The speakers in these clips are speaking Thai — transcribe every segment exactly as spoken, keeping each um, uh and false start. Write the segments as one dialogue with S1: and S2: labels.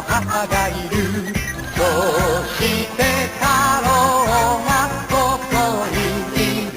S1: 母がいるどうして太郎がここにいる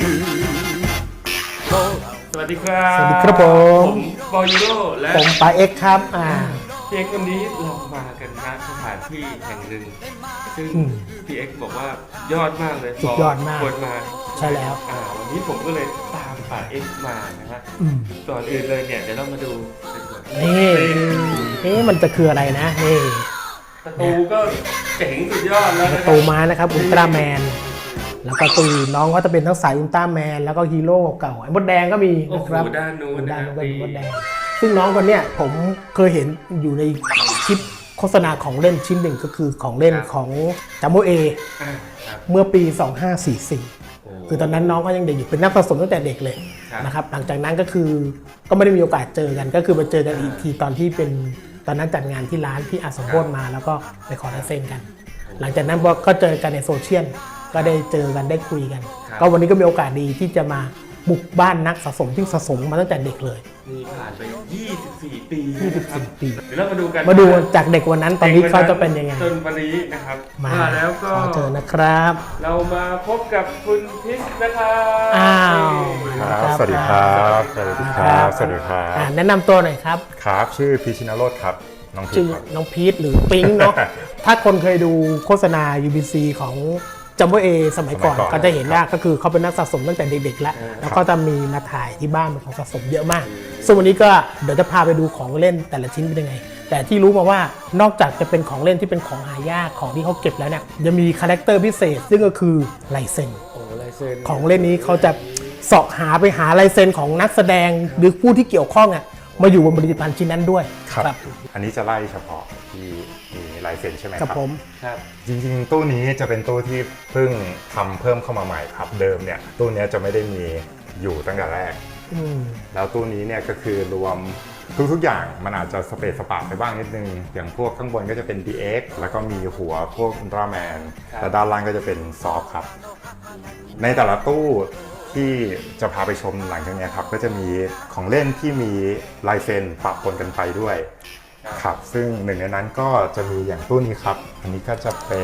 S2: สวัสดีครับ
S3: สวัสดีครับผม
S2: ผมบอยโร่และ
S3: ผมปาเอ็กซ์ครับอ่า
S2: พี่เอ็กซ์วันนี้เรามากันณสถานที่แห่งหนึ่งซึ่ง
S3: อืม
S2: พี่เอ็กซ์บอกว่ายอดมากเลย
S3: สุดยอดมาก
S2: ควรมา
S3: ใช่แล้ว
S2: อ่าวันนี้ผมก็เลยตามป่าเอ็กซ์มานะฮะ
S3: อืม
S2: ก่อนอื่นเลยเนี่ยเดี๋ยวเรามาดูกันก่อน
S3: นี่เอ๊ะมันจะคืออะไรนะนี่
S2: ประตูก็เจ๋งสุดยอดแล้ว
S3: ป
S2: นะ
S3: ระ
S2: ค
S3: ตู
S2: รับ
S3: ม้านะครับอุลตร้าแมนแล้วก็ตูน้องก็จะเป็นทั้งสายอุลตร้าแมนแล้วก็ฮีโร่เก่าๆไอ้มดแดงก็มี
S2: โอ้
S3: นะ
S2: โห
S3: ครับ
S2: ด้านนู้นนะ
S3: ด้าน
S2: ค
S3: นู้
S2: รั
S3: น
S2: บ
S3: ก็มีมดแดงซึ่งน้องคนเนี้ยผมเคยเห็นอยู่ในคลิปโฆษณาของเล่นชิ้นหนึ่งก็คือของเล่นของจัมโบเอ
S2: อ่าครับ
S3: เมื่อปี สองพันห้าร้อยสี่สิบสี่
S2: โอ้
S3: คือตอนนั้นน้องก็ยังเด็กอยู่เป็นนักสะสมตั้งแต่เด็กเลย
S2: ครับ
S3: นะครับหลังจากนั้นก็คือก็ไม่ได้มีโอกาสเจอกันก็คือมาเจอกันอีกทีตอนที่เป็นตอนนั้นจัดงานที่ร้านที่อาสมโพธมาแล้วก็ไปขอลายเซ็นกัน หลังจากนั้นก็เจอกันในโซเชียลก็ได้เจอกันได้คุยกัน
S2: ครับ
S3: ก็วันนี้ก็มีโอกาสดีที่จะมาบุกบ้านนักสะสมที่สะสมมาตั้งแต่เด็กเลย
S2: นี่ผ่านไปยี่สิบสี่ปี
S3: ยี่สิบสี่
S2: นะครับ
S3: ปี
S2: เดี๋ยวเรามาดูกัน
S3: มาดูจากเด็กวันนั้นตอนนี้เขาจะเป็นยังไง
S2: จนวันนี้นะครับ
S3: มา
S2: แล้วก็
S3: ขอเจอนะครับ
S2: เรามาพบกับคุณพิษนะครับ
S3: อ้าว
S4: ครับสวัสดีครับ สวัสดีครับ สวัสดีครั
S3: อ่า
S4: บ
S3: แนะนำตัวหน่อยครับ
S4: ครับ ชื่อพีชินโรธครับ น้องพี
S3: ชื่อ
S4: ครับ
S3: น้องพีทหรือปิ๊งเนาะ ถ้าคนเคยดูโฆษณา ยู บี ซี ของจัมโบเอสมัยก่อน
S4: สมัยก่อน
S3: ก็จะเห็นว่าก็คือเขาเป็นนักสะสมตั้งแต่เด็กๆแล้ว
S2: เออ
S3: แล้วก็จะมีมาถ่ายที่บ้านเป็นของสะสมเยอะมากส่วนวันนี้ก็เดี๋ยวจะพาไปดูของเล่นแต่ละชิ้นเป็นยังไง แต่ที่รู้มาว่านอกจากจะเป็นของเล่นที่เป็นของหายากของที่เขาเก็บแล้วเนี่ยยังมีคาแรคเตอร์พิเศษ ซึ่งก็คือลายเซ็น
S2: โอ้ลายเซ็น
S3: ของเล่นนี้เขาจะเสาะหาไปหาลายเซ็นของนักแสดงหรือผู้ที่เกี่ยวข้องอ่ะมาอยู่บนผลิตภัณฑ์ชิ้นนั้นด้วย
S4: ครับ อันนี้จะไล่เฉพาะที่มีลายเซ็นใช่ไหมค
S3: กั
S4: รั
S3: บบ ผม
S2: ครับ
S4: จริงๆ ตู้นี้จะเป็นตู้ที่เพิ่งทำเพิ่มเข้ามาใหม่ครับ เดิมเนี่ยตู้เนี้ยจะไม่ได้มีอยู่ตั้งแต่แรก
S3: อืม
S4: แล้วตู้นี้เนี่ยก็คือรวมทุกๆอย่างมันอาจจะสเปซสปาไปบ้างนิดนึง อย่างพวกข้างบนก็จะเป็น ดี เอ็กซ์ แล้วก็มีหัวพวกอุลตร้าแมน
S2: ครับ
S4: และด้านล่างก็จะเป็นซอฟครับ ในแต่ละตู้ที่จะพาไปชมหลังจากเนี้ยครับก็จะมีของเล่นที่มีลายเซ็นปะปนกันไปด้วยครับซึ่งหนึ่งในนั้นก็จะมีอย่างตู้นี้ครับ อันนี้ก็จะเป็น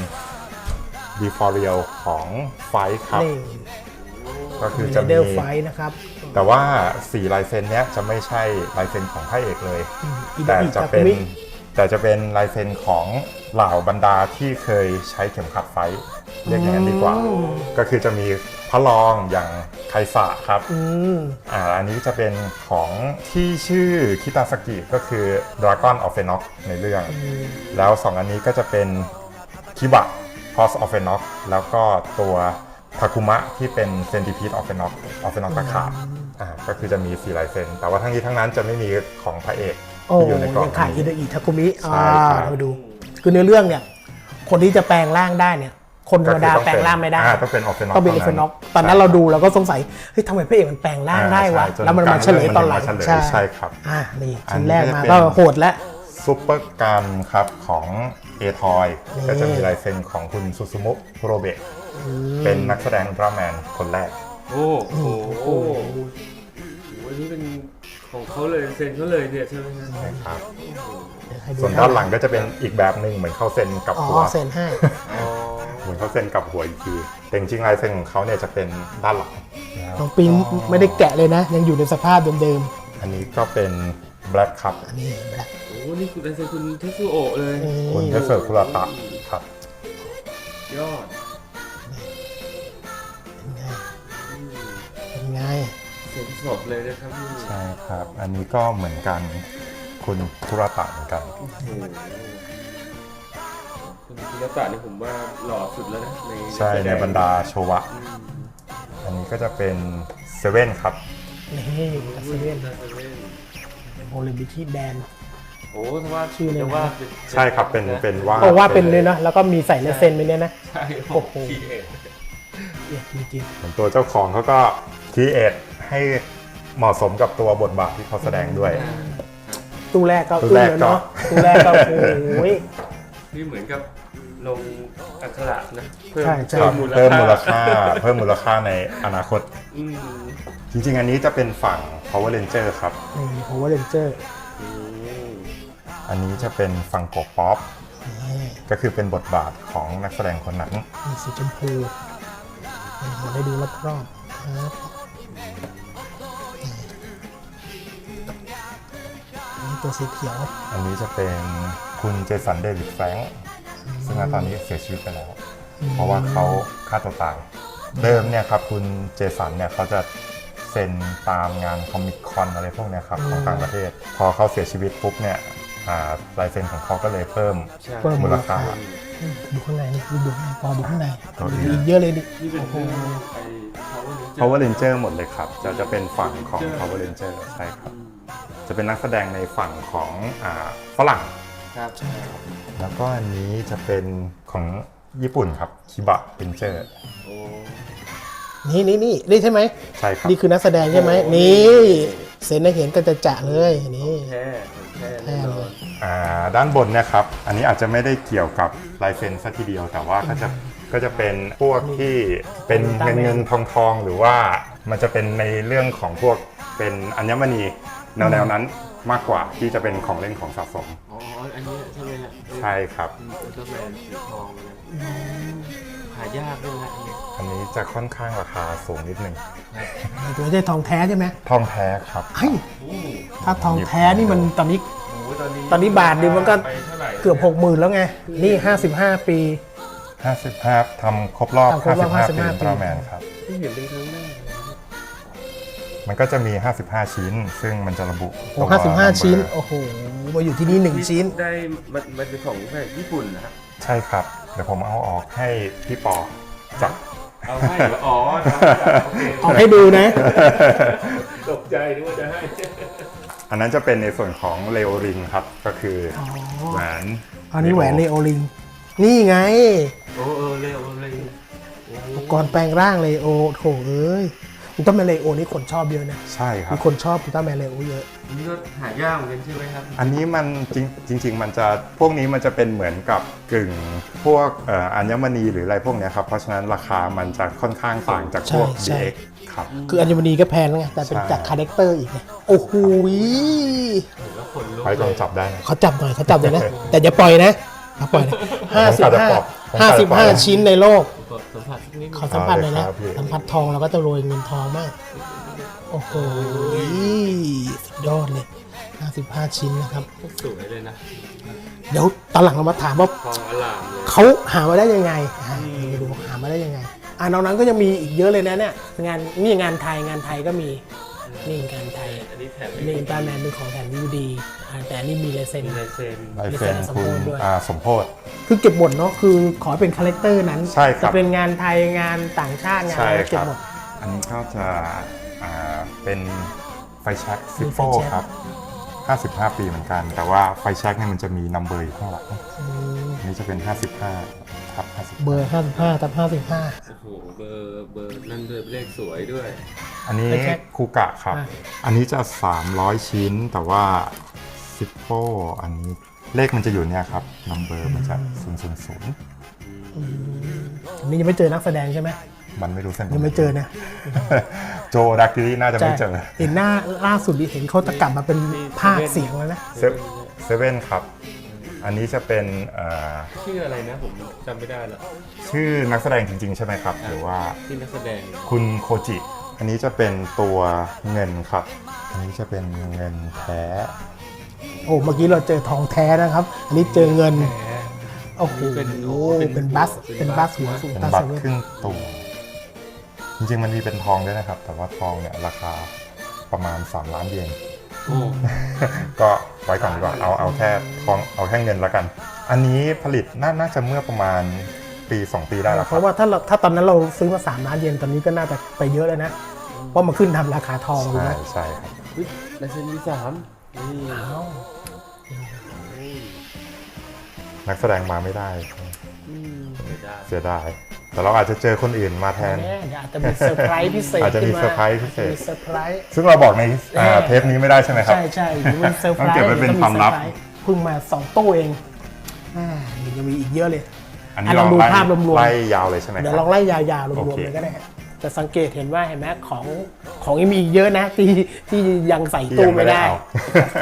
S4: d e f o r i a l ของไฟครับ
S3: นี่
S4: ก็คือ
S3: มี
S4: จะ
S3: เด
S4: มี
S3: ลไฟนะครับ
S4: แต่ว่าสี่ลายเซ็นเนี้ยจะไม่ใช่ลายเซ็นของพระเอกเลย
S3: อืมอิ
S4: แต่
S3: อิ
S4: จะ
S3: ตาคุ
S4: เป็น
S3: มิ
S4: แต่จะเป็นลายเซ็นของเหล่าบรรดาที่เคยใช้เข็มขัดไฟเรียกอย่างนั้นดีกว่า ก็คือจะมีพระรองอย่างไคซะครับ
S3: อืม
S4: อ่าอันนี้จะเป็นของที่ชื่อคิตาสกิก็คือ Dragon of Enoch ในเรื่อง แล้วสองอันนี้ก็จะเป็นคิบะ Cross of Enoch แล้วก็ตัวทาคุมะที่เป็น Centipede of Enoch of Enoch ตะขาบอ่าก็คือจะมีสี่ลายเซ็นแต่ว่าทั้งนี้ทั้งนั้นจะไม่มีของพระเอก
S3: โอ้
S4: ที่อยู่ในกล่อง
S3: ยังขายอิ
S4: นี้
S3: เดอิทาคุมิ
S4: ใช่
S3: อ่า
S4: ครับ
S3: เราไปดู คือในเรื่องเนี่ย คนที่จะแปลงร่างได้เนี่ย คนธรรมดาแปลงร่างไม่ได้
S4: อ่าต้องเป็น of Enoch
S3: ต้องเป็นเอฟเฟนอกตอนนั้นเราดูเราก็สงสัย เฮ้ยทำไมพระเอกมันแปลงร่างได้วะ
S4: อ่าใช่
S3: แล้วมันมาเฉลยตอนหลัง
S4: มันมาเฉลยใช่ครับ
S3: อ่านี่
S4: อั
S3: ชิ้
S4: น
S3: น
S4: นี้
S3: แรกมา
S4: จะเป็น
S3: ก็โหดแล้ว
S4: ซุปเปอร์การครับของเอทอย
S3: นี่
S4: ก็จะมีลายเซ็นของคุณซูซูมุคุโรเบะเป็นนักแสดงอุลตร้าแมนคนแรก
S2: โอ้โหโอ้โหอันนี้เป็นของเขาเลยเซ็นเขาเลยเนี่ยใช่ไหมครับ
S4: นะครับ
S3: ให้ดู
S4: ส่วนด้านหลังก็จะเป็นอีกแบบหนึ่งเหมือนเขาเซ็นกับ
S3: อ๋อ
S4: หัว
S3: เซ็นให้
S2: อ๋อ
S4: เหมือนเขาเซ็นกับหัวอีกทีแต่จริงๆลายเซ็นของเขาเนี่ยจะเป็นด้านหลังนะครับ
S3: น้องปิงไม่ได้แกะเลยนะ ยังอยู่ในสภาพเดิม
S4: อันนี้ก็เป็น Black ครับ
S3: ๆอันนี้แบล็ค
S2: โอ้นี่คือลายเซ็นคุณเทสุโอะเลย
S4: คุณเทเซอร์คุราตะครับ
S2: ยอด
S3: เป็นไง
S2: เซ็นสดเลยนะครับนี่
S4: ใช่ครับ อันนี้ก็เหมือนกันคุณคุราตะเหมือนกัน
S2: โอ้โหคุณคุณรัตตะนี่ผมว่าหล่อสุดแล้วนะใน
S4: ใช่ในบรรดาโชวะ
S2: อืม
S4: อันนี้ก็จะเป็นเซเว่นครับ
S3: นี่กัสเว่น
S2: เซเว่น
S3: โอลิมปิกแบน
S2: โอ้ถ้าว่า
S3: ชื่อเลยนะ
S2: จะว่าเป็น
S4: ใช่ครับเป็นเป็นว่า
S3: บอกว่าเป็นเลยเนาะแล้วก็มีใส่ลายเซ็นไปเนี่ยนะ
S2: ใช่
S3: โอ้โห
S2: ทีเอ็ด
S3: เนี่ยจริง
S4: เหมือนตัวเจ้าของเขาก็คีเอทให้เหมาะสมกับตัวบทบาทที่เขาแสดงด้วย
S3: ๆตู้แรกก็
S4: ตู้
S3: อึ้ง
S4: แรก
S3: แล้วเนาะ
S4: ก็
S3: ตู้แรกก็โอ้ย
S2: นี่เหมือนกับลงอักขระนะเพิ่ม
S3: ใช่ใช่
S2: เพิ่มมูล
S4: เพิ่มมูล
S2: ค่า
S4: ค่า เพิ่มมูลค่าในอนาคต
S2: อืม
S4: จริงๆ อันนี้จะเป็นฝั่ง Power Ranger ครับ
S3: นี่โอเวอร์เรนเจอร์
S2: อืม
S4: อันอันนี้จะเป็นฟังโกป๊อปก็คือเป็นบทบาทของนักแสดงคนนั้น
S3: มีสีชมพูมาได้ดูรอบๆครับอันนี้ตัวสีเขียว
S4: อันนี้จะเป็นคุณเจสันเดวิดแฟรงค์ซึ่งณตอนนี้เสียชีวิตไปแล้ว เพราะว่าเขาฆ่าตัวตาย เดิมเนี่ยครับคุณเจสันเนี่ยเขาจะเซ็นตามงานคอมิคคอนอะไรพวกเนี้ยครับของต่างประเทศ พอเขาเสียชีวิตปุ๊บเนี่ยอ่าลายเซ็นของเขาก็เลยเพิ่ม
S2: ใช่
S3: เพิ่ม
S4: มูลค่า
S3: ดูข้างในนี่ดูดูพอดูข้างใน
S4: ตัวนี้
S3: มีอีกเยอะเลยดิ
S2: นี่เป็น
S3: โอ้โห
S2: ไอ้
S4: Power Ranger หมดเลยครับ จะจะเป็นฝั่งของ Power Ranger ใช่ครับ จะเป็นนักแสดงในฝั่งของอ่าฝรั่ง
S2: ครับ
S4: แล้วก็อันนี้จะเป็นของญี่ปุ่นครับคิบะเ e นเจอร์
S2: โอ้
S3: นี่นี่นี่นี่ใช่ไหม
S4: ใช่ครับ
S3: นี่คือนักแสดงใช่ไหมนี่เซ็นให้เห็นกันจะจะเลยนี่
S2: แท้แท้
S3: แท้เลย
S4: อ่าด้านบนเนี่ยครับ อันนี้อาจจะไม่ได้เกี่ยวกับลายเซ็นซะทีเดียว แต่ว่าก็จะก็จะเป็นพวกที่เป็นเงินเงินทองทองหรือว่ามันจะเป็นในเรื่องของพวกเป็นอัญมณีแนวแนวนั้นมากกว่าที่จะเป็นของเล่นของสะสม
S2: อ๋ออันนี้ใช่ไหมฮะ
S4: ใช่ครับ
S2: อุลตร้าแมนสีทองนะหายากด้วยนะอันนี้
S4: อันนี้จะค่อนข้างราคาสูงนิดนึง
S3: ตัวไม่ใช่ทองแท้ใช่ไหม
S4: ทองแท้ครับ
S3: เฮ้ย
S2: โอ้
S3: ถ้าทองแท้นี่มันตอนนี้
S2: โหตอนนี้
S3: ตอนนี้บาทนึงมันก็
S2: ไปเท่าไหร่
S3: เกือบหกหมื่นแล้วไง นี่ห้าสิบห้าปี
S4: ห้าสิบห้าทำครบรอบ
S3: ทำครบรอบ
S4: ห้า
S3: ห้า
S4: สิ
S3: สิ
S4: บบ ห้า
S3: ห้า
S4: ปีอุลตร้าแมนครับ
S2: ที่เห็นเป็นครั้งแรกเลยนะ
S4: มันก็จะมี ห้าสิบห้า ชิ้น ซึ่งมันจะระบุ
S3: โอ้
S4: ตัว
S3: ห้าสิบห้า
S4: number
S3: ชิ้น โอ้โห มาอยู่ที่นี่หนึ่งชิ้น
S2: ได้มันมันเป็นของแบบญี่ปุ่นนะครับ
S4: ใช่ครับ เดี๋ยวผมเอาออกให้พี่ปอจับ
S2: เอาให้เหรออ๋อโอเค
S3: ออกให้ดูนะ
S2: ตกใจนึกว่าจะให้
S4: อันนั้นจะเป็นในส่วนของเลโอริงครับ ก็คืออ
S3: อ
S4: แหวน
S3: อันนี้แหวนเลโอลิง นี่ไง
S2: โอ้เออเร็วเลย
S3: อุปกรณ์แปลงร่างเลโอโถเอ้ยอุลตร้าแมนเลโอนี่คนชอบเยอะนะ
S4: ใช่ครั
S3: มี
S4: บ
S3: คนชอบอุลตร้าแมนเลโอเยอะ
S2: อันนี้ก็หายากเหมือนกันใช่ไหมครับ
S4: อันนี้มันจริงจริง ๆ มันจะพวกนี้มันจะเป็นเหมือนกับกึ่งพวกเอ่ออัญมณีหรืออะไรพวกเนี้ยครับ เพราะฉะนั้นราคามันจะค่อนข้างต่างจากพวก
S3: ใช่
S4: ดี
S3: ใช่
S4: เอ็กซ์ ครับ
S3: คืออัญมณีก็แพงแล้วไง แต่เป็น
S4: ใช่
S3: จากคาแรคเตอร์อีกไงโอ้โห
S2: แล้วคนลุก
S4: ไว้ลองจับได้นะ
S3: เขาจับหน่อยเขาจับหน่อยนะ แต่อย่าปล่อยนะอย่าปล่อยนะห้าสิบ
S4: ผมกะจะ
S3: ห้า
S4: ปล่อยผมกะ
S3: ห้า
S4: จะ
S3: สิบ
S4: ปล่
S3: ห้า
S4: อย
S3: ชิ้นในโลก
S2: กดสัมผัสสักนิดนึง
S3: ขอสัมผัสเลยนะ
S4: เอาเลยครับพี่
S3: สัมผัสทองเราก็จะโรยเงินทองมาก โอ้โหสุดยอดเลยห้าสิบห้าชิ้นนะครับ
S2: สวยเลยนะ
S3: เดี๋ยวตอนหลังเรามาถามว่า
S2: ทองอลามเลย
S3: เขาหามาได้ยังไงอ่ามาดูหามาได้ยังไง อ่านอกนั้นก็ยังมีอีกเยอะเลยนะเนี่ย งานนี่งานไทยงานไทยก็มี นี่งานไทย
S2: อันนี้แถม
S3: นี่อุลตร้าแมนเป็นของแถมดีวดีอ่าแต่อันนี่มีลายเซ็น
S2: มีลายเซ็น
S4: ลายเซ็นคุณอาสมโพธิ
S3: คือเก็บหมดเนาะ คือขอเป็นคาแรคเตอร์นั้น
S4: ใช่ครับ
S3: จะเป็นงานไทยงานต่างชาติงาน
S4: ใช่
S3: อะไร
S4: ค
S3: เก็บ
S4: รับ
S3: หมด
S4: อันนี้ก็จะอ่าเป็นไฟแช็กซิ
S3: มี
S4: โฟ
S3: ไฟแช็ก
S4: ครับ ห้าสิบห้า ปีเหมือนกัน แต่ว่าไฟแช็กเนี่ยมันจะมีนัมเบอร์อยู่ข้างหลัง
S3: อืม
S4: อันนี้จะเป็น ห้าสิบห้าทับห้าสิบ
S3: เบอร์ห้าสิบห้าทับห้าสิบห้า
S2: โอ้โหเบอร์เบอร์นั่นด้วยเลขสวยด้วย
S4: อันนี้
S3: ไฟแช็ก
S4: คูกะครับ
S3: อ่ะ
S4: อันนี้จะ สามร้อย ชิ้น แต่ว่าซิโฟอันนี้เลขมันจะอยู่เนี่ยครับนัมเบอร์มันจะศูนย์ ศูนย์ ศูนย์
S3: อันนี้ยังไม่เจอนักแสดงใช่ไหม
S4: มันไม่รู้เส้น
S3: ยังไม่เจอนะ
S4: โจดักกิรี่น่าจะไม่เจอ
S3: เห็นหน้าล่าสุดดิเห็นเขาจะกลับมาเป็นภาคเสียงแล้วนะ
S4: เซเซเว่นครับ อันนี้จะเป็นเอ่อ
S2: ชื่ออะไรนะผมจำไม่ได้แล้ว
S4: ชื่อนักแสดงจริง ๆ ใช่ไหมครับ หรือว่า
S2: ที่นักแสดง
S4: คุณโคจิ อันนี้จะเป็นตัวเงินครับ อันนี้จะเป็นเงินแท้
S3: โอ้เมื่อกี้เราเจอทองแท้นะครับ อันนี้เจอเงิน
S2: แหม
S3: โอ้โห
S2: เป็น
S3: เป็นบัส เป็นบัสหัวสูง
S4: เป็น
S3: ตา
S4: บั
S3: เซ
S4: ตร
S3: เว่น
S4: ครึ่งตัวจริง ๆ มันมีเป็นทองด้วยนะครับ แต่ว่าทองเนี่ยราคาประมาณ สาม ล้านเยน
S2: โอ้
S4: ก็ไว้ก่อนดีกว่า เอาเอาแค่ทองเอาแค่เงินแล้วกัน อันนี้ผลิตน่าน่าจะเมื่อประมาณปีสองปีได้แล้วค
S3: เพ
S4: รับ
S3: ราะว่าถ้าเราถ้าตอนนั้นเราซื้อมาสามล้านเยนตอนนี้ก็น่าจะไปเยอะแล้วนะ เพราะมันขึ้นทำราคาทองเลย
S4: ใช่
S3: นะ
S4: ใช่ครับ
S2: เฮ้ยลายเซ็นมีสามนี่
S3: อ้าว
S4: นักแสดงมาไม่ได้
S2: อืมไม่ได้
S4: เสียดาย แต่เราอาจจะเจอคนอื่นมาแทน
S3: แน่เดี๋ยวอาจจะมีเซอร์ไพรส์พิเศษ
S4: อาจจะมี
S3: ขึ้น
S4: เซอร์ไพรส์พิเศษ
S3: มีเซอร์ไพรส์
S4: ซึ่งเราบอกในอ่า
S3: แน่
S4: เทปนี้ไม่ได้ใช่ไหมครับ
S3: ใช่ใช่หรือมันเซอร์ไพร
S4: ต้อง
S3: ส์
S4: เก็บไว้เป็นความลับ
S3: เดี๋ยเพิ่งมาสองตู้เองอ่ายังมีอีกเยอะเลย
S4: อันนี้
S3: อ่ะล
S4: เรา
S3: องดู
S4: ไล่
S3: ภาพรวมๆ
S4: ไล่ยาวเลยใช่ไหมค
S3: เดี๋ย
S4: รั
S3: ว
S4: บ
S3: ลองไล่ยาวๆรว
S4: โอ
S3: ม
S4: เค
S3: ๆเลยก็ได้ฮะจะสังเกตเห็นว่าเห็นไหมของของยังมีอีกเยอะนะที่ที่ยังใส่ตู้ไม่ได้
S4: ที่ยัง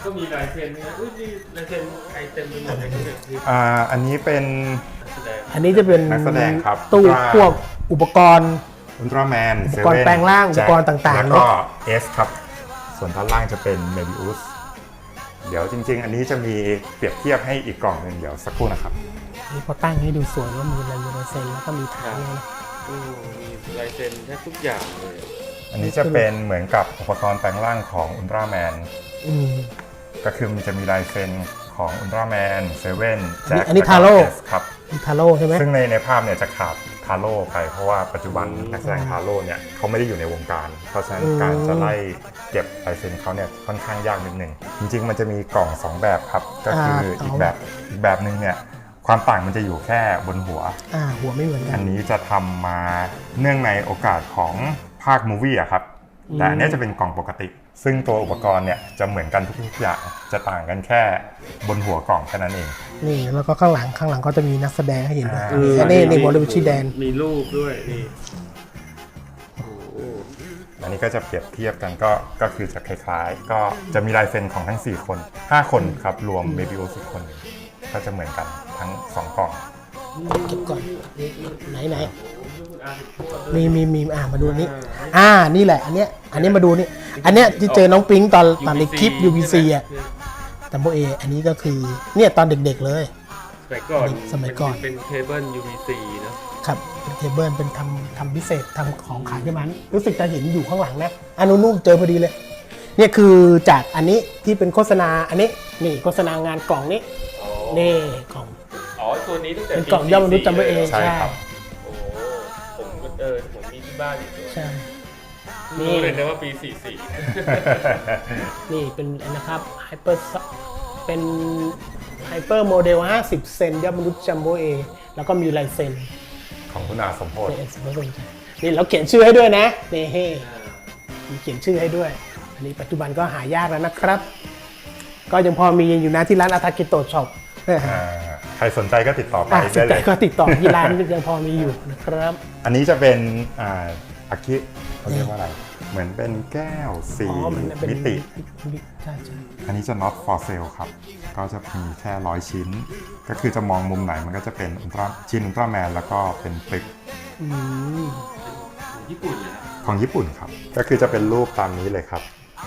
S2: ก็มีลายเซ็นนะอุ้ยนี่ลายเซ็นใครเต็มไปหมดเลยเนี่ยนี่
S4: อ่าอันนี้เป็น
S2: แสดง
S3: อันนี้จะเป็น
S4: นักแสดงครับ
S3: ตู้
S4: ว่า
S3: พวกอุปกรณ์
S4: อุลตร้าแมน
S3: อุปกรณ์แปลงร่างอุปกรณ์ต่างๆ
S4: แล้ว
S3: เน
S4: ก็
S3: อะ
S4: S ครับ ส่วนด้านล่างจะเป็นเมบิอุสเดี๋ยวจริง ๆ อันนี้จะมีเปรียบเทียบให้อีกกล่องหนึ่งเดี๋ยวสักครู่นะครับ
S3: นี่พอตั้งให้ดูสวยว่ามีลายลายเซ็นแล้วก็มีฐานเลยนะ
S2: อืมมีลายเซ็นแทบทุกอย่างเลย
S4: อันนี้จะเป็นเหมือนกับอุปกรณ์แปลงร่างของอุลตร้าแมน
S3: อืม
S4: ก็คือมันจะมีลายเซ็นของอุลตร้าแมนเซเว่นแจ็ค
S3: อันนี้ทาโร่
S4: ครับ
S3: มีทาโร่ใช่ไหม
S4: ซึ่งในในภาพเนี่ยจะขาดทาโร่ไปเพราะว่าปัจจุบันนักแสดงทาโร่เนี่ยเขาไม่ได้อยู่ในวงการ เพราะฉะนั้นการจะไล่เก็บลายเซ็นเขาเนี่ยค่อนข้างยากนิดหนึ่งจริงๆมันจะมีกล่องสองแบบครับก็คืออีกแบบอีกแบบหนึ่งเนี่ยความต่างมันจะอยู่แค่บนหัว
S3: อ่าหัวไม่เหมือนกั
S4: อั
S3: น
S4: นนี้จะทำมาเนื่องในโอกาสของภาคมูวี่อะครับแต่อันนี้จะเป็นกล่องปกติ ซึ่งตัวอุปกรณ์เนี่ยจะเหมือนกันทุกๆอย่างจะต่างกันแค่บนหัวกล่องแค่นั้นเอง
S3: นี่แล้วก็ข้างหลังข้างหลังก็จะมีนักแสดงให้เห็นด้วย
S4: อ่า
S3: อันนี้นี่บอลลูชิแดน
S2: มีรูปด้วยนี่โอ้โห
S4: อันนี้ก็จะเปรียบเทียบกันก็ก็คือจะคล้ายๆ ก็จะมีลายเซ็นของทั้งสี่คนห้าคนครับรวมเบบิโอสิบคนหนึ่งก็จะเหมือนกันทั้งสองกล่อง
S3: เก็บก่อนไหนไหน
S2: คุณอา
S3: มีมีมีอ่ามาดูอันนี้ อ่านี่แหละอันเนี้ยอันนี้มาดูนี่อันเนี้ยที่เจอน้องปิ๊งตอนตอนในคลิป ยู บี ซี อ่ะแต่โมเออันนี้ก็คือเนี่ยตอนเด็กๆเลย
S2: สมัยก่อน
S3: สมัยก่อน
S2: เป็นเคเบิล ยู บี ซี เนอะ
S3: ครับเป็นเคเบิลเป็นทำทำพิเศษทำของขายที่มันรู้สึกจะเห็นอยู่ข้างหลังนะอันนู้นๆเจอพอดีเลยเนี่ยคือจากอันนี้ที่เป็นโฆษณาอันนี้นี่โฆษณางานกล่องนี้
S2: อ๋อ
S3: นี่กล่อง
S2: อ๋อตัวนี้ตั้งแต่
S3: เป็นกล่องย่อมนุษย์จำไว้เอง
S4: ใช่ครับ
S2: โอ้โหผมก็เออผมมีที่บ้านอยู่ตัว
S3: ใช่นี่
S2: รู้เลยนะว่าปี สี่สิบสี่
S3: นี่เป็นนะครับไฮเปอร์เป็นไฮเปอร์โมเดลห้าสิบเซนยอดมนุษย์จัมโบ้เอแล้วก็มีลายเซ็น
S4: ของคุณอาสมโพธิ
S3: นี่นี่เราเขียนชื่อให้ด้วยนะนี่เฮ้มีเขียนชื่อให้ด้วย อันนี้ปัจจุบันก็หายากแล้วนะครับ ก็ยังพอมีอยู่นะที่ร้านอาทากิโตะช็อป
S4: อ่าใครสนใจก็ติดต่อไป
S3: อ่ะส
S4: ได้
S3: น
S4: เล
S3: ใจ
S4: ย
S3: ก็ติดต่อที่ร้านยังพอมีอยู่นะครับ
S4: อันนี้จะเป็นอ่าอากิเขาเรียกว่าอะไร เหมือนเป็นแก้วสี
S3: อ๋อมันเป็น
S4: มิติ
S3: ใช่ใช่
S4: อันนี้จะ not for sale ครับ ก็จะมีแค่ร้อยชิ้น ก็คือจะมองมุมไหนมันก็จะเป็นอุลตร้าชิ้นอุลตร้าแมนแล้วก็เป็นปึก
S3: อืม
S2: ของญี่ปุ่นเลยนะ
S4: ของญี่ปุ่นครับ ก็คือจะเป็นรูปตามนี้เลยครับ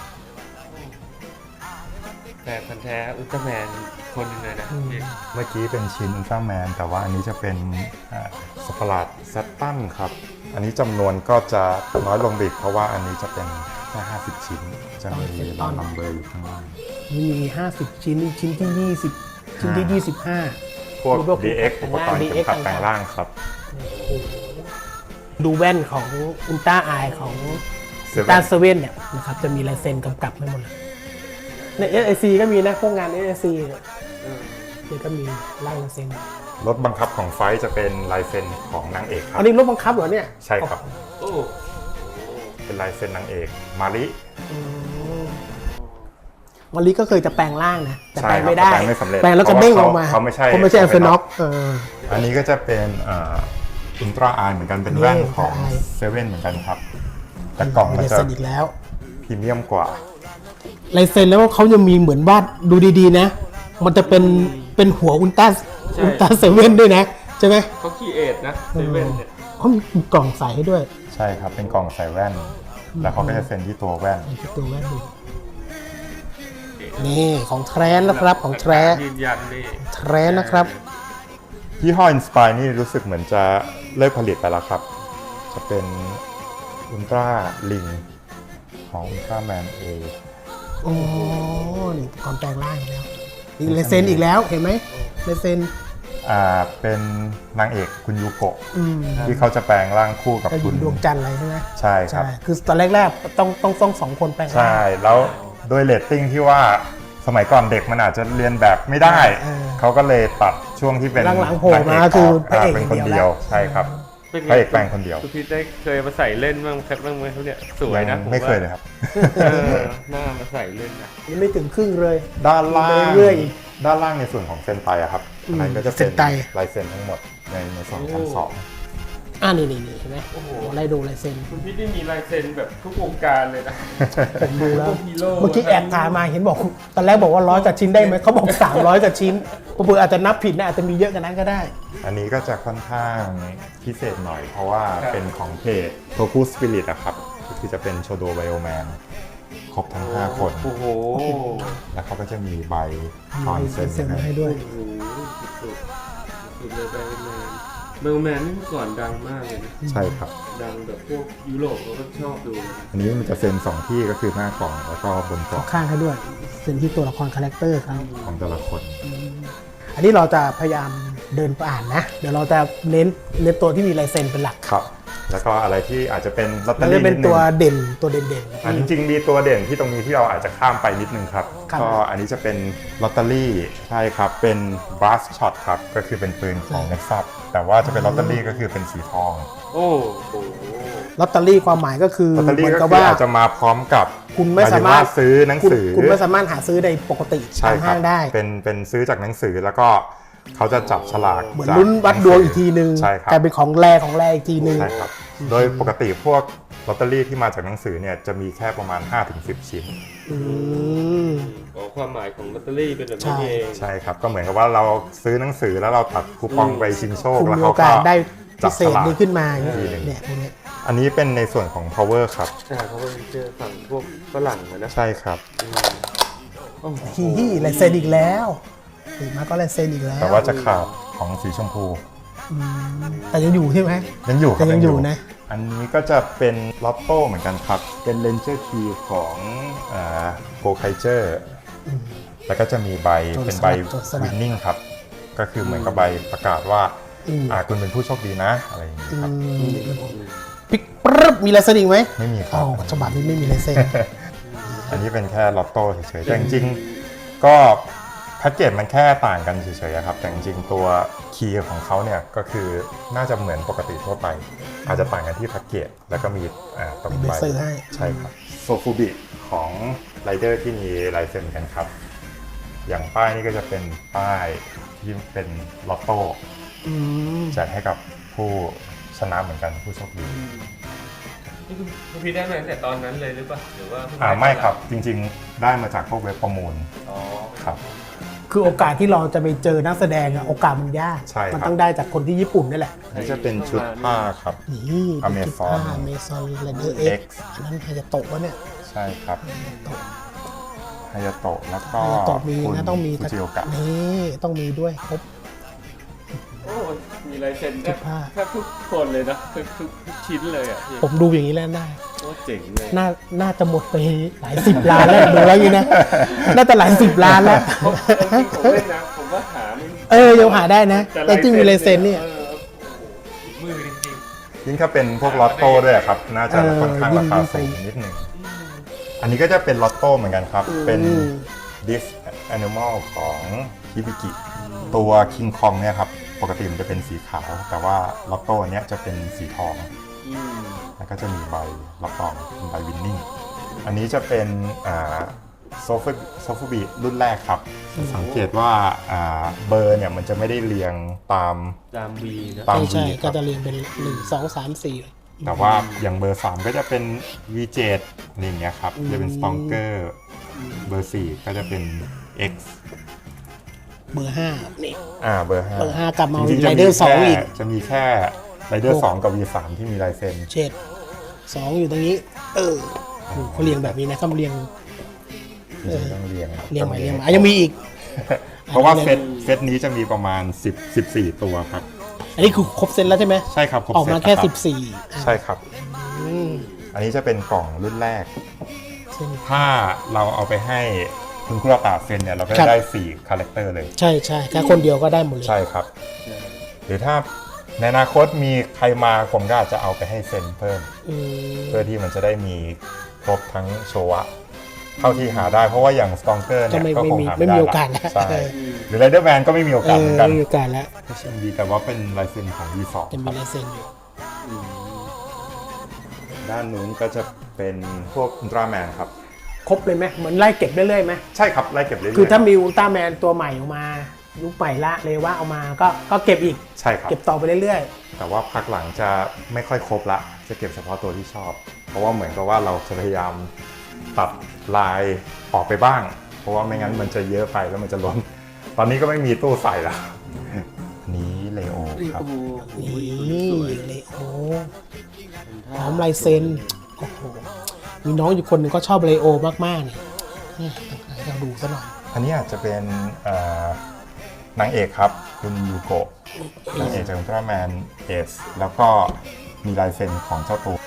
S2: แต่พันธุ์แท้อุลตร้าแมนคนหนึงเลยนะพี่
S4: เมื่อกี้เป็นชิ้นอุลตร้าแมนแต่ว่าอันนี้จะเป็นอ่าสัตว์ประหลาดแซตตันครับ อันนี้จำนวนก็จะน้อยลงอีกเพราะว่าอันนี้จะเป็นแค่ห้าสิบชิ้น จะมีลอนนัมเบอร์อยู่ข้างล่าง
S3: นี่มีห้าสิบชิ้นนี่ชิ้นที่ยี่สิบชิ้นที่ยี่สิบห้า
S4: พวก
S3: พวก
S4: ดี เอ็กซ์ อุปกรณ์เข็มขัด
S3: ดี
S4: แปล
S3: เอ็กซ์
S4: งร่างครับ
S3: ดูแว่นของอุลตร้าไอของอุลตร้าเซเว่นเนี่ยนะครับจะมีลายเซ็นกำกับให้หมดเลยใน เอส ไอ ซี ก็มีนะพวกงาน เอส ไอ ซี เนี่ยนี่ก็มีลายเซ็น
S4: รถบังคับของไฟท์จะเป็นลายเซ็นของนางเอกครั
S3: อั
S4: บ
S3: นนี้รถบังคับเหรอเนี่ย
S4: ใช่ครับ
S2: โอ้
S4: เป็นลายเซ็นนางเอกมาริ
S3: วันนี้ก็เคยจะแปลงร่างนะแต่
S4: ใช่
S3: แปลง
S4: ครับ
S3: ไม่ได้
S4: แปลงไม่สำเร็จ
S3: แปลงแล้วก็เด้งออกมา
S4: เขาไม่ใช่
S3: เขาไม่ใช่
S4: เขา
S3: เอ
S4: เป็น
S3: ฟน็อกเออ
S4: อันนี้ก็จะเป็นอุลตร้าไอเหมือนกันเป็นแว่น
S3: นี่
S4: ของ
S3: Ultra Eye
S4: เซเว่นเหมือนกันครับ แต่กล่องมัน
S3: ลาย
S4: จะ
S3: เซ็นอีกแล้ว
S4: พรีเมียมกว่า
S3: ลายเซ็นแล้วเขายังมีเหมือนวาดดูดีๆนะ มันจะเป็นเป็นหัวอุลตร้าอุลตร้าเซเว่นด้วยนะใช่ไหม
S2: เขาคีเอทนะเซเว่นเนี่ย
S3: เขามีกล่องใส่ให้ด้วย
S4: ใช่ครับ เป็นกล่องใส่แว่น แล้วเขาก็จะเซ็นที่ตัวแว่น
S3: ไอ้ตัวแว่นดูนี่ของแท้นะครับของแท้
S2: ยืนยันนี่
S3: แท้นะครับ
S4: ยี่ห้อ Inspire นี่รู้สึกเหมือนจะเลิกผลิตไปแล้วครับ จะเป็นอุลตร้าลิงของอุลตร้าแมนเอ
S3: โอ้นี่ก่อนแปลงร่างอีกแล้วอีกลายเซ็นอีกแล้วเห็นไหมลายเซ็น
S4: อ่าเป็นนางเอกคุณยูโกะ
S3: อืม
S4: ที่เขาจะแปลงร่างคู่กับ
S3: กระ
S4: คุ
S3: ยิ
S4: ณ
S3: งดวงจันทร์อะไรใช่ไหม
S4: ใช่ครับ
S3: ใช่คือตอนแรกๆต้องต้องต้องสองคนแปลงร่าง
S4: ใช่ แล้วด้วยเรตติ้งที่ว่าสมัยก่อนเด็กมันอาจจะเรียนแบบไม่ได้
S3: เออ
S4: เขาก็เลยตัดช่วงที่เป็น
S3: หลังๆโผล่มา
S4: นงเ
S3: คือพระ
S4: า
S3: เอก
S4: เป็นคน
S3: อย่างเดี
S4: เดี
S3: ย
S4: ยว ว
S3: แล้ว
S4: ใช่ครับ
S2: เป็น
S4: พระเอกแปลงคนเดียว
S2: คุณพีทได้เคยมาใส่เล่นบ้างครับบ้างไหมเขาเนี่ยสวยนะ
S4: งไม่เคยเลยครับ
S2: เออหน้ามาใส่เล่นนะ
S3: ยังไม่ถึงครึ่งเลย
S4: ด้านล่าง
S3: เรื่อยๆอีก
S4: ด้านล่างในส่วนของเซนไตอะครับ
S3: อืม
S4: อันนั้นก็จะ
S3: เซ็
S4: เป็น
S3: นไต
S4: ลายเซ็นทั้งหมดในในส่วนชั้นสอง
S3: อ่านี่นี่นี่เห็นไหม
S2: โอ้โห
S3: ไล่ดูลายเซ็น
S2: คุณพี่นี่มีลายเซ็นแบบทุกวงการเลยนะ
S3: ผมดูแล้ว
S2: พวกฮีโร่
S3: เมื่อกี้แอบถามมาเห็นบอกตอนแรกบอกว่าร้อยกว่าชิ้นได้ไหมเขาบอกสามร้อยกว่าชิ้นเผื่ออาจจะนับผิดนะอาจจะมีเยอะกว่านั้นก็ได้
S4: อันนี้ก็จะค่อนข้างพิเศษหน่อย เพราะว่าเป็นของเพจโทคุสปิริตอะครับก็คือจะเป็นโชโดไบโอแมนครบทั้งห้าคน
S2: โอ้โห
S4: แล้วเขาก็จะมีใบตอน
S3: มี
S4: เซ็น
S3: เซ็นมา
S4: ให้
S3: ให้ด้วย
S2: โอ้โหสุดๆสุดเลยเบลแมนเบลแมนนี่เมื่อก่อนดังมากเลยนะ
S4: ใช่ครับ
S2: ดังแบบพวกยุโรปเขาก็ชอบดูนะ
S4: อันนี้มันจะเซ็นสองที่ก็คือหน้ากล่องแล้วก็บนกล่อง
S3: ข้างให้ด้วยเซ็นที่ตัวละครคาแรคเตอร์ครับ
S4: ของแต่ละคน
S3: อันนี้เราจะพยายามเดินไปอ่านนะ เดี๋ยวเราจะเน้นเน้นตัวที่มีลายเซ็นเป็นหลัก
S4: ครับ แล้วก็อะไรที่อาจจะเป็นลอตเตอ
S3: มัน
S4: รี่
S3: จะเป็น
S4: นิดนึ
S3: ตัว
S4: ง
S3: เด่นตัวเด่น
S4: อันจริงๆมีตัวเด่นที่ตรงนี้ที่เราอาจจะข้ามไปนิดนึงครับ
S3: ครับ
S4: ก็อันนี้จะเป็นลอตเตอรี่ใช่ครับ เป็น brass shot ครับ ก็คือเป็นปืนของ Nexus แต่ว่าจะเป็นลอตเตอรี่ก็คือเป็นสีทอง
S2: โอ้โห
S3: ลอตเตอรี่ความหมายก็คือ
S4: ลอตเตอรี่
S3: เหมือน
S4: ก็
S3: กับ
S4: คือ
S3: ว่า
S4: อาจจะมาพร้อมกับ
S3: คุณไม่
S4: หยถึง
S3: สามารถ
S4: ว่ซื้อหนัง
S3: คุณ
S4: สือ
S3: คุณไม่สามารถหาซื้อในปกติ
S4: ใช่
S3: ตาม
S4: ครั
S3: ห้างได้
S4: เป็นเป็นซื้อจากหนังสือแล้วก็เขาจะจับฉลาก
S3: เหมือน
S4: จาก
S3: ลุ้นวัดดวงอีกทีนึง
S4: ใช่ครับ
S3: กลายเป็นของแรของแรอีกทีนึง
S4: ใช่ครับ โดยปกติพวกลอตเตอรี่ที่มาจากหนังสือเนี่ยจะมีแค่ประมาณ ห้าถึงสิบ ชิ้น
S3: อืม
S2: อ๋อความหมายของลอตเตอรี่เป็นแบบ
S3: ใช่
S2: นี้เอง
S4: ใช่ครับ ก็เหมือนกับว่าเราซื้อหนังสือแล้วเราตัดคูปองไปชิงโชค
S3: คุณ
S4: แล้ว
S3: มี
S4: เขา
S3: โอกา
S4: ก็
S3: สได้
S4: จั
S3: พิ
S4: บ
S3: เศ
S4: ฉ
S3: ษ
S4: ลาก
S3: นี้ขึ้นมา
S4: ทีหนึ่ง
S3: เนี่ยพวกเนี้ย
S4: อันนี้เป็นในส่วนของ power ครับ
S2: ใช่เพราะว่าเจอฝั่งพวกฝรั่งอะนะ
S4: ใช่ครับ
S2: โอ้โห
S3: ฮีฮีลายเซ็นอีกแล้วถึงมาก็ลายเซ็นอีกแล้ว
S4: แต่ว่าจะขาดของสีชมพู
S3: อืมแต่ยังอยู่ใช่ไหม
S4: ยังอยู่ครับ
S3: แต่ยังอยู่นะ
S4: อันนี้ก็จะเป็นลอตโต้เหมือนกันครับ เป็นเลนเจอร์คีของโกไคเจอร์แล้วก็จะมีใบ
S3: จด
S4: เป็นใบ
S3: จดสลั
S4: วิ
S3: ก
S4: นนิ่งครับ ก็คือเหมือนกับใบประกาศว่า
S3: อืม
S4: อ่าคุณเป็นผู้โชคดีนะ อะไรอย่างนี้
S3: อื
S4: ครับ
S3: มปิ๊กปึ๊บมีลายเซ็นอีกไหม
S4: ไม่มีค
S3: อ๋
S4: รั
S3: อบ ฉบับนี้ไม่มีลายเซ็น
S4: อันนี้เป็นแค่ลอตโต้เฉยๆแต่จริงๆก็แพ็กเกจมันแค่ต่างกันเฉยๆครับ แต่จริงๆตัวคีย์ของเขาเนี่ยก็คือน่าจะเหมือนปกติทั่วไป อาจจะต่างกันที่แพ็กเกจแล้วก็มีอ่าตรง
S3: มี
S4: ใบ
S3: เบอร์เซอร์ให้
S4: ใช่ครับโซฟูบิของไรเดอร์ที่มีลายเซ็นกันครับ อย่างป้ายนี่ก็จะเป็นป้ายที่เป็นลอตโต้
S3: อืม
S4: แจกให้กับผู้ชนะเหมือนกันผู้โชคดี
S2: นี่คุณคุณพี่ได้มาตั้งแต่ตอนนั้นเลยหรือเปล่าหรือว่าเพิ่ง
S4: อ่า
S2: ด้
S4: ไม่ครับจริงๆได้มาจากพวกเว็บประมูล
S2: อ๋อ
S4: ครับ
S3: คือโอกาสที่เราจะไปเจอนักแสดงอะโอกาสมันยาก
S4: ใช่ครับ
S3: มันต้องได้จากคนที่ญี่ปุ่นนี่แหละ
S4: นี่จะเป็นชุดผ้าครับ
S3: นี่
S4: Amazon
S3: อเมซอนเรเดอร์เอ็
S4: X
S3: กอันนั้นฮายาโตะวะเนี่ย
S4: ใช่ครับฮายาโตะแล้วก็
S3: ฮายาโตะมี
S4: คุณ
S3: นะต้องมี
S4: ฟูจิโอกะ
S3: นี่ต้องมีด้วยครบ
S2: โอ้มีลายเซ็นแท
S3: ทุ
S2: บ
S3: กภาค
S2: แทบทุกคนเลยนะทุกทุกทุกชิ้นเลยอ่ะพี่
S3: ผมดูอย่างนี้แล้วได้
S2: โอ้เจ๋งเลย
S3: น่าน่าจะหมดไปหลายสิบล้านแล้วดูแล้วอย่างนี้นะ น่าจะหลายสิบล้านแล้ว
S2: ผมจริงๆผมเล่นนะผมว่าหาไม่
S3: เออยังหาได้นะ แต่ที่มีลายเซ็นเนี่ย
S2: ออโอ้โหมือจริง
S4: ยิ่งถ้าเป็นพวกลอตโต้ด้วยครับ น่าจะ
S3: เออ
S4: ค่อนข้างราคาสูงนิดหนึ่งอันนี้ก็จะเป็นลอตโต้เหมือนกันครับ เป็น
S3: อืม
S4: ดิฟแอนิมอลของฮิบิกิตัวคิงคองเนี่ยครับ ปกติมันจะเป็นสีขาว แต่ว่าลอตโต้อันเนี้ยจะเป็นสีทอง
S2: ๆอืม
S4: แล้วก็จะมีใบรับรองเป็นใบวินนิ่ง อันนี้จะเป็นโซฟโซฟบีรุ่นแรกครับ สังเกตว่าอ่าเบอร์เนี่ยมันจะไม่ได้เรียงตาม
S2: ตามวีนะ
S4: ตาม
S3: ใช่
S4: V
S3: ใช่
S4: ค
S3: ก็
S4: รับ
S3: จะเรียงเป็นหนึ่งสองสามสี่
S4: แต่ว่าอย่างเบอร์สามก็จะเป็น วี เจ็ด อะไรอย่างเงี้ยครับ จะเป็น Stronger เบอร์สี่ก็จะเป็น X
S3: เบอร์ห้านี่
S4: อ่าเบอร์ห้า
S3: เบอร์ห้ากลับมา
S4: จริงๆจะ
S3: Rider สองอีก
S4: จะมีแค่ไรเดอร์สองกับ วี สาม ที่มีลายเซ็น
S3: เช็ดสองอยู่ตรงนี้ เออโหเขาเรียงแบบนี้นะเขาเรียง
S4: จริงๆต้องเรียง
S3: เรียงใหม่เรียงใหม่อ่ะยังมีอีก
S4: เพราะว่า
S3: อันนี้
S4: เซตเซตนี้จะมีประมาณสิบ สิบสี่ตัวครับ
S3: อันนี้คือครบเซตแล้วใช่ไหม
S4: ใช่ครับครบ
S3: ออก
S4: เซต
S3: มาแค่
S4: รับ
S3: สิบสี่
S4: ใช่ครับ
S3: อืม
S4: อันนี้จะเป็นกล่องรุ่นแรก
S3: เช่น
S4: ถ้าเราเอาไปให้คุณครูตาเซ็นเนี่ยเราก็
S3: ครั
S4: จะ
S3: บ
S4: ได้สี่คาแรคเตอร์เลย
S3: ใช่ใช่ถ้าคนเดียวก็ได้หมดเลย
S4: ใช่ครับ หรือถ้าในอนาคตมีใครมาผมก็อาจจะเอาไปให้เซ็นเพิ่ม
S3: อืม
S4: เพื่อที่มันจะได้มีครบทั้งโชวะเท่าที่หาได้เพราะว่าอย่างสตองเกอร์
S3: ก็
S4: เนี่ย
S3: ไม่
S4: ก็
S3: ไม่
S4: คง
S3: มี
S4: หา
S3: ไม่
S4: ไม่ได้
S3: มี
S4: ละ
S3: โอกาสแล้ว
S4: ใช่
S3: เออ
S4: หรือไรเดอร์แมนก็ไม่มีโอ
S3: เอก
S4: าส
S3: อ
S4: เหมือนกัน
S3: ไม่มีโอกาสแล้ว
S4: ก็เช่นดีแต่ว่าเป็นลายเซ็นของ วี สอง
S3: จะ
S4: ค
S3: มี
S4: รับ
S3: ลายเซ็นอยู่
S4: ด้านนู้นก็จะเป็นพวกอุลตร้าแมนครับ
S3: ครบเลยไหมเหมือนไล่เก็บเรื่อยๆไหม
S4: ใช่ครับไล่เก็บเรื่อยๆ
S3: คือถ้ามีอุลตร้าแมนตัวใหม่ออกมายุคใหม่ละเลยว่าเอามาก็ก็เก็บอีก
S4: ใช่ครับ
S3: เก็บต่อไปเรื่อย
S4: แต่ว่าพักหลังจะไม่ค่อยครบละจะเก็บเฉพาะตัวที่ชอบ เพราะว่าเหมือนกับว่าเราจะพยายามตัดลายออกไปบ้าง เพราะว่าไม่งั้นมันจะเยอะไปแล้วมันจะล้น ตอนนี้ก็ไม่มีตู้ใส่ละอันนี้เลโอครับ
S3: ๆนี่เลยโอ้พร้อมลายเซ็นโอ้โหมีน้องอยู่คนหนึ่งก็ชอบเลโอมากๆเนี่ยนี่ให้เราดูซะหน่อย
S4: อันนี้อาจจะเป็นเอ่อนางเอกครับ คุณยูโกะนางเอกจากอุลตร้าแมนเอสแล้วก็มีลายเซ็นของเจ้าตัว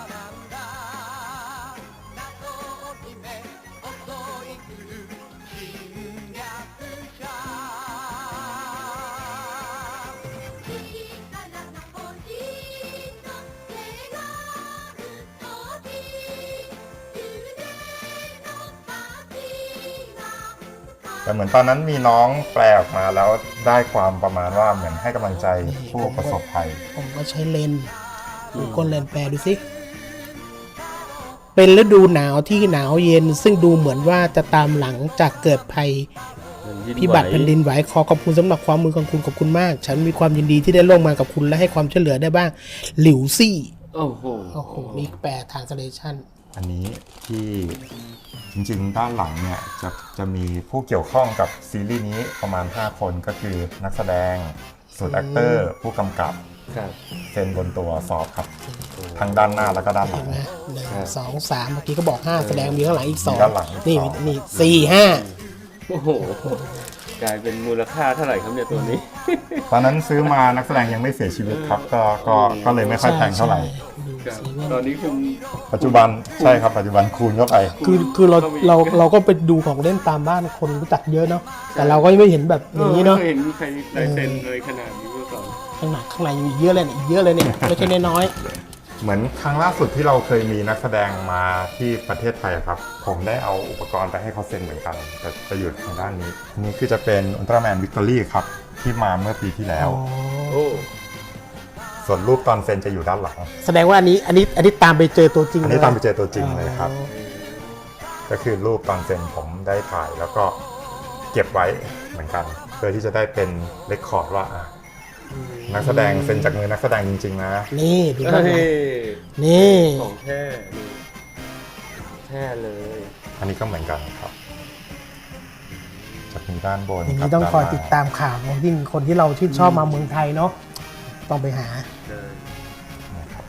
S4: แต่เหมือนตอนนั้นมีน้องแปลออกมาแล้วได้ความประมาณว่าเหมือนให้กำลังใจผู้ประสบภัย
S3: ผมก็ใช้เลนส์ดูก้นเลนส์แปลดูสิ เป็นฤดูหนาวที่หนาวเย็น ซึ่งดูเหมือนว่าจะตามหลังจากเกิดภัยพิบัติแผ่นดินไหวขอขอบคุณสำหรับความมือของคุณขอบคุณมาก ฉันมีความยินดีที่ได้ร่วมงานกับคุณและให้ความช่วยเหลือได้บ้าง หลิวซี่
S2: โอ้โห
S3: โอ้โหนี่แปลทางสเลชัน
S4: อันนี้ที่จริงๆด้านหลังเนี่ยจะจะมีผู้เกี่ยวข้องกับซีรีส์นี้ประมาณ ห้า คนก็คือนักแสดงสูตรแอคเตอร์ ผู้กำกับ
S2: ครับ
S4: เซ็นบนตัวสอบครับ ทั้งด้านหน้าแล้วก็ด้านหลั
S3: เห็
S4: ง
S3: นไหมหนึ่งสองสามเมื่อกี้ก็บอกห้าแสดงมีข้างหลังอีกสอง
S4: มีด้านหลังอีก
S3: นี่
S4: สอง
S3: นี่สี่ห้า
S2: โอ้โห กลายเป็นมูลค่าเท่าไหร่ครับเนี่ยตัวนี้
S4: ตอนนั้นซื้อมานักแสดงยังไม่เสียชีวิตครับ ก็ก็ก็เลยไม่ค่อยแพงเท่าไหร่
S2: ครับตอนนี้คุณ
S4: ปัจจุบันใช่ครับปัจจุบันคูณเข้าไป
S3: คือคือเราเราเราก็ไปดูของเล่นตามบ้านคนรู้จักเยอะเนาะแต่เราก็ยังไม่เห็นแบบอย่างนี้เนาะ
S2: ไม่เคยเห็นมีใครลายเซ็นเลยขนาดนี้มาก่อน
S3: ข้างหน้าข้างในยังมีเยอะเลยเนี่ยอีกเยอะเลยเนี่ยไม่ใช่น้อย
S4: เหมือนครั้งล่าสุดที่เราเคยมีนักแสดงมาที่ประเทศไทยครับ ผมได้เอาอุปกรณ์ไปให้เขาเซ็นเหมือนกัน แต่จะอยู่ทางด้านนี้ อันนี้คือจะเป็นอุลตร้าแมนวิกตอรี่ครับ ที่มาเมื่อปีที่แล้ว
S2: โอ้
S4: ส่วนรูปตอนเซ็นจะอยู่ด้านหลัง
S3: แสดงว่าอันนี้อันนี้อันนี้ตามไปเจอตัวจริง
S4: อัน
S3: เลย
S4: นี้ตามไปเจอตัวจริงเลยครับ ก็คือรูปตอนเซ็นผมได้ถ่ายแล้วก็เก็บไว้เหมือนกัน เพื่อที่จะได้เป็นเรคคอร์ดว่าอ่ะนักแสดงเซ็นจากมือนักแสดงจริงๆนะ
S3: นี่ดู
S2: เฮ้
S3: ด้านหลัง
S2: ย
S3: นี่
S2: ของแท้นี่แท้เลย
S4: อันนี้ก็เหมือนกันครับจะมีด้านบน
S3: อย่าง
S4: กับ
S3: นี้ต้องคอย
S4: ด้านหน้า
S3: ติดตามข่าวนะยิ่งคนที่เราชื่นชอบมาเมืองไทยเนาะต้องไปหา
S4: นะครับ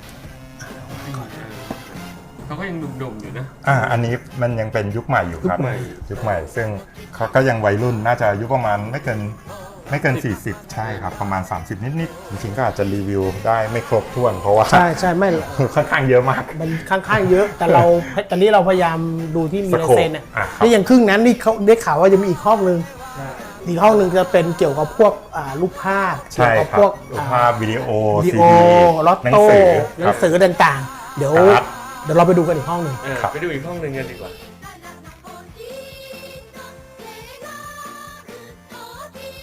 S2: เขาก็ยังหนุ่มๆอยู่นะ
S4: อ่า อันนี้มันยังเป็นยุคใหม่อยู่ครับ
S2: ยุคใหม่
S4: ยุคใหม่ ซึ่งเขาก็ยังวัยรุ่น น่าจะอายุประมาณไม่เกินไม่เกิน สี่สิบ ใช่ครับ ประมาณ สามสิบ นิดๆ จริงๆ ก็อาจจะรีวิวได้ไม่ครบถ้วน เพราะว่า
S3: ใช่ใช่ไม่
S4: ค่อนข้างเยอะมาก
S3: มันค่อนข้างเยอะแต่เราตอนนี้เราพยายามดูที่มีลายเซ็นอ่ะ
S4: อ่ะครับ
S3: นี่อย่างครึ่งนั้นนี่เขาได้ข่าวว่าจะมีอีกห้องนึงอีกห้องหนึ่งจะเป็นเกี่ยวกับพวกอ่ารูปภาพเกี่
S4: ใช่
S3: ยวกับ
S4: ครับ
S3: พวก
S4: รูป
S3: อ่า
S4: ภาพวิดีโอ
S3: วิดี
S4: ซี
S3: โอ
S4: ดี
S3: ลอต
S4: หนัง
S3: โต้
S4: สือ
S3: หนั
S4: ครั
S3: ง
S4: บ
S3: สือต่างๆ เดี๋ยว
S4: การ์ด
S3: เดี๋ยวเราไปดูกันอีกห้องหนึ่ง
S2: เออ
S4: ครับ
S2: ไปดูอีกห้องหนึ่งกันดีกว่า